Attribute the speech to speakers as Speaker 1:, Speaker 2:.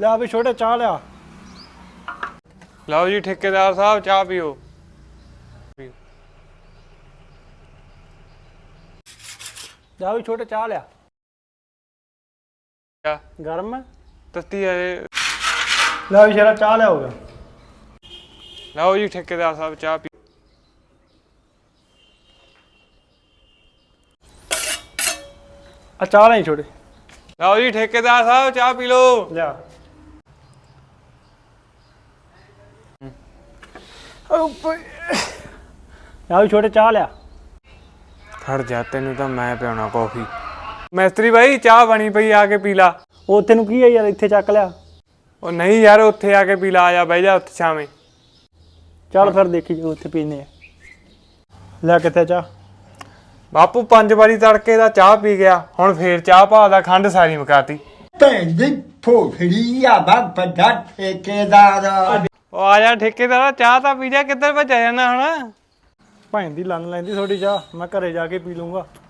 Speaker 1: ਲਿਆ ਵੀ ਛੋਟੇ ਚਾਹ ਲਿਆ।
Speaker 2: ਲਓ ਜੀ ਠੇਕੇਦਾਰ ਸਾਹਿਬ ਚਾਹ ਪੀਓ।
Speaker 1: ਲਿਆ ਵੀ ਛੋਟੇ ਚਾਹ ਲਿਆ।
Speaker 2: ਚਾਹ
Speaker 1: ਗਰਮ ਹੈ?
Speaker 2: ਤੱਤੀ ਹੈ।
Speaker 1: ਲਿਆ ਵੀ ਸ਼ੇਰਾ ਚਾਹ ਲਿਆ ਹੋ ਗਿਆ।
Speaker 2: ਲਓ ਜੀ ਠੇਕੇਦਾਰ ਸਾਹਿਬ ਚਾਹ ਪੀਓ।
Speaker 1: ਆ ਚਾਹ ਲਈ ਛੋਟੇ।
Speaker 2: ਲਓ ਜੀ ਠੇਕੇਦਾਰ ਸਾਹਿਬ ਚਾਹ ਪੀ ਲਓ।
Speaker 1: ਲਿਆ। ਲਿਆ ਵੀ ਛੋਟੇ ਚਾਹ ਲਿਆ।
Speaker 2: ਖੜ ਜਾ ਤੈਨੂੰ ਤਾਂ ਮੈਂ ਪਿਆਉਣਾ ਕੌਫੀ। ਮਿਸਤਰੀ ਬਾਈ ਚਾਹ ਬਣੀ ਪਈ ਆ ਕੇ ਪੀ ਲਾ।
Speaker 1: ਉਹ ਤੈਨੂੰ ਕੀ ਹੈ ਯਾਰ, ਇੱਥੇ ਚੱਕ ਲਿਆ।
Speaker 2: ਉਹ ਨਹੀਂ ਯਾਰ ਉੱਥੇ ਆ ਕੇ ਪੀ ਲਾ, ਆ ਜਾ ਬਹਿ ਜਾ ਉੱਥੇ ਛਾਵੇਂ।
Speaker 1: ਚੱਲ ਫਿਰ ਦੇਖੀ ਜੋ ਉੱਥੇ ਪੀਨੇ ਆ। ਲੈ ਕਿੱਥੇ ਚਾਹ?
Speaker 2: ਬਾਪੂ 5 ਵਾਰੀ ਤੜਕੇ ਦਾ ਚਾਹ ਪੀ ਗਿਆ, ਹੁਣ ਫੇਰ ਚਾਹ ਭਾਅ ਦਾ ਖੰਡ ਸਾਰੀ ਮੁਕਾਤੀ।
Speaker 3: ਭੈਣ ਦੀ ਭੋਖੜੀ ਆ ਵੱਡਾ ਠੇਕੇਦਾਰ।
Speaker 2: ਉਹ ਆ ਜਾ ਠੇਕੇਦਾਰ ਚਾਹ ਤਾਂ ਪੀ ਜਾ, ਕਿੱਧਰ ਭੱਜਿਆ ਜਾਂਦਾ ਹੁਣ?
Speaker 1: ਭੈਣ ਦੀ ਲੰਨ ਲੈਂਦੀ ਥੋੜੀ ਚਾਹ, ਮੈਂ ਘਰੇ ਜਾ ਕੇ ਪੀ ਲੂੰਗਾ।